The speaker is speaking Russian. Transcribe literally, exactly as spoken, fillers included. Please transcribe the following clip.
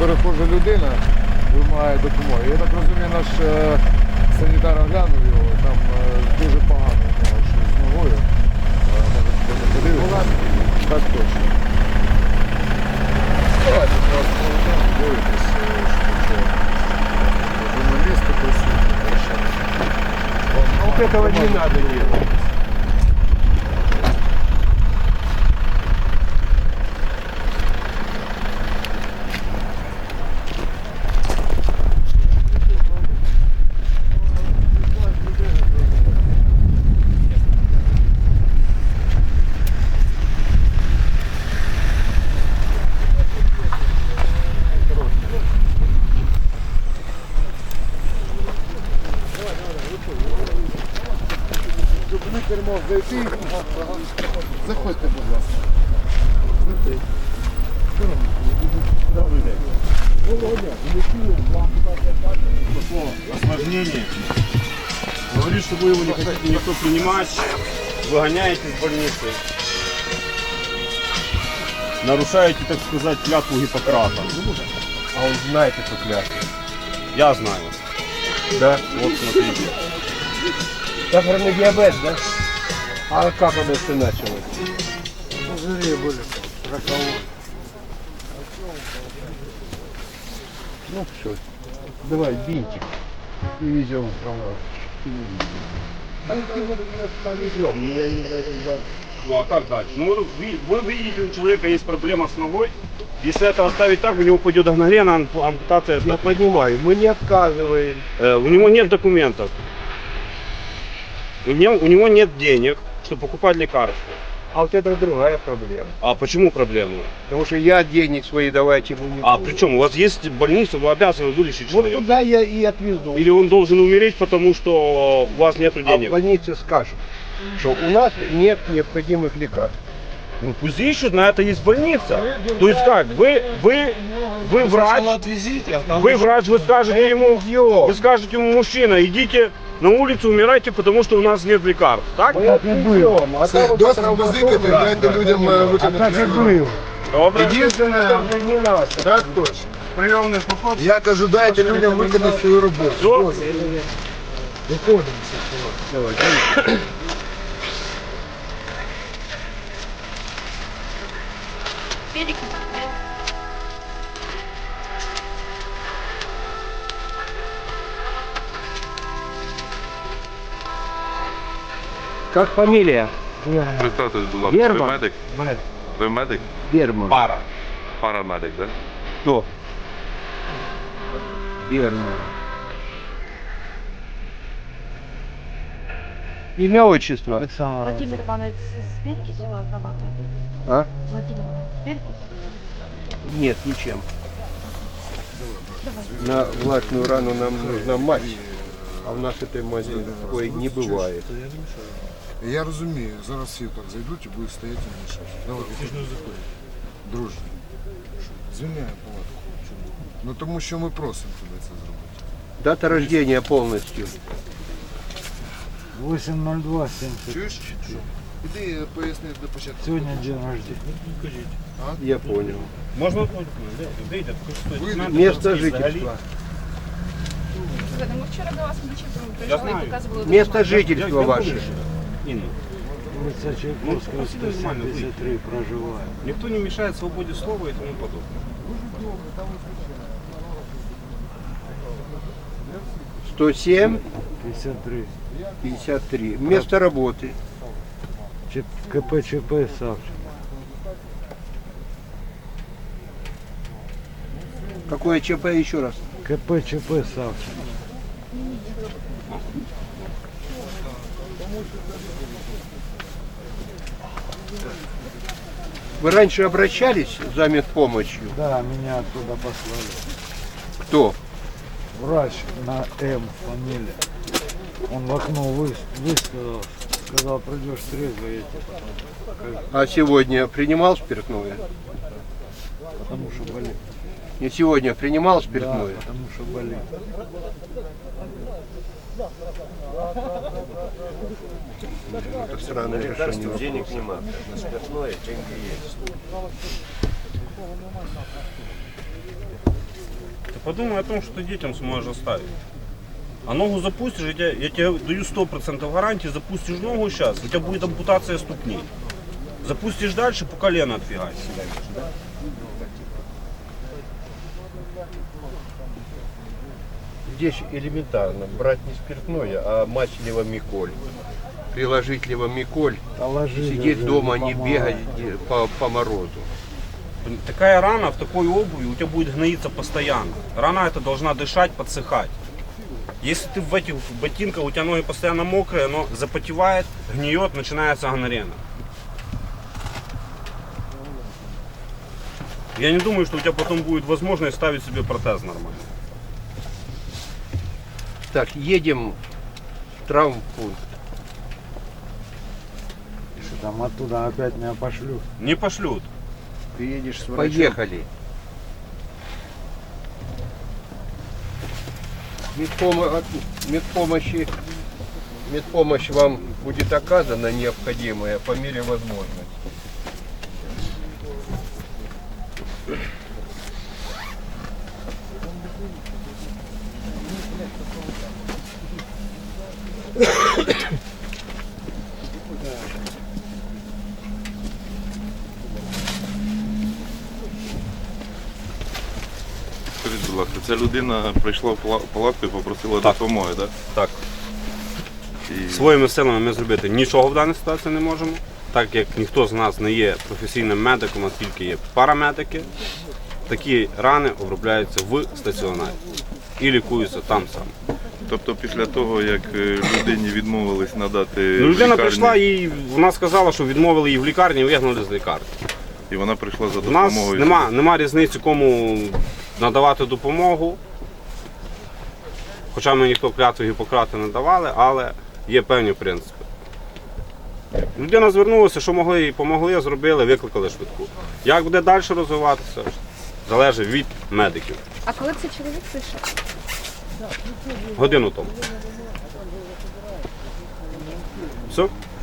перехожа людина вимагає допомоги. Я так розумію, наш е, санітар оглянув його, там е, дуже погано у нього щось з ногою. Е, може, хто не подивиться? Так точно. Давайте просто дивитесь, що журналісти присутні. А вот этого не надо делать. Кермо зайти. Заходьте, будь ласка. Осложнение. Говорит, что вы его не хотите никто принимать, выгоняете из больницы. Нарушаете, так сказать, клятву Гиппократа. А он знает эту клятву. Я знаю. Да? Вот смотрите. Сахарный диабет, да? А как оно все началось? Пузыри были. Роковой. Ну все. Давай, бинтик. И везем в кровать. Ну а как дальше? Ну вы, вы видите, у человека есть проблема с ногой. Если это оставить так, у него пойдет гангрена, ампутация. Я понимаю, мы не отказываем. Э, у него нет документов. У него, у него нет денег, чтобы покупать лекарства. А вот это другая проблема. А почему проблема? Потому что я денег свои давать ему не А буду. причем у вас есть больница, вы обязаны вылечить Вот человека. туда я и отвезу. Или он должен умереть, потому что у вас нет А в денег? больнице скажут, что у нас нет необходимых лекарств. Ну, пусть ищут, на это есть больница. То есть как, вы, вы, вы врач, вы врач, вы скажете ему, вы скажете ему, мужчина, идите на улицу, умирайте, потому что у нас нет лекарств, так? Мы отвезем. А там Досить базикати, дайте людям е, виконати. был. Добре. Єдине, Не надо. так точно. Прийомний поход. Я кажу, дайте людям виконати свою роботу. Все. Как фамилия? Представтесь, будь ласка, ви Герман. медик? Ви медик? Берман. Пара. Парамедик, так? Кто? Берман. Имя, отчество? Владимир Иванович, с перекисью разрабатывает? А? Владимир Иванович, с перекисью? Нет, ничем. На влажную рану нам нужна мазь, а в нас этой мази такой не бывает. Я розумію, зараз всі так зайдуть і будуть стояти і мішати. Давай, друже, звільняємо палатку. Ну тому що ми просимо тебе це зробити. Дата рождения полностью. восемь ноль два семьдесят. Чуєш? Іди поясни до початку. Сегодня день рождения. Я понял. Можно Место жительства. Мы вчера до вас Я знаю. показывали. Место жительства ваше. Инна, Улица Чайковского, Ну, сто нормально, семьдесят три, проживаю. никто не мешает свободе слова и тому подобное. сто семь пятьдесят три. пятьдесят три. Место работы. Ч- КП ЧП Савченко. Какое ЧП еще раз? КП ЧП Савченко. Вы раньше обращались за медпомощью? Да, меня оттуда послали. Кто? Врач на М фамилия. Он в окно вы- высказал, сказал, придешь трезво, я тебе потом. А сегодня принимал спиртное? Потому что болит. Не сегодня принимал Да, спиртное? потому что болит. Это странное решение. Денег нема, на спиртное деньги есть. Подумай о том, что ты детям сможешь оставить. А ногу запустишь, я тебе, я тебе даю сто процентов гарантии, запустишь ногу сейчас, у тебя будет ампутация ступней. Запустишь дальше, по колено отфигать. Здесь элементарно. Брать не спиртное, а мать левомиколь. Приложить левомиколь, Положили сидеть уже, дома, не не помогает. бегать где- по, по морозу. Такая рана в такой обуви у тебя будет гноиться постоянно. Рана эта должна дышать, подсыхать. Если ты в этих ботинках, у тебя ноги постоянно мокрые, оно запотевает, гниет, начинается гангрена. Я не думаю, что у тебя потом будет возможность ставить себе протез нормально. Так, едем в травмпункт. Что там оттуда опять меня пошлют. Не пошлют. Ты едешь с врачом. Поехали. Медпомо- от медпомощи, медпомощь вам будет оказана необходимая по мере возможности. Скажіть, будь ласка, ця людина прийшла в пала- палатку і попросила Так. допомоги, так? Так. І Своїми силами ми зробити нічого в даній ситуації не можемо, так як ніхто з нас не є професійним медиком, а тільки є парамедики. Такі рани обробляються в стаціонарі і лікуються там саме. тобто після того, як е, людині відмовились надати Ну, людина лікарні, прийшла і вона сказала, що відмовили її в лікарні і вигнали з лікарні. і вона прийшла за У нас допомогою. нема, нема різниці, кому надавати допомогу. Хоча ми ніхто клятву Гіппократа не давали, але є певні принципи. Людина звернулася, що могли, їй помогли, зробили, викликали швидку. Як буде далі розвиватися, залежить від медиків. А коли цей чоловік прийшов? Годину тому. Все?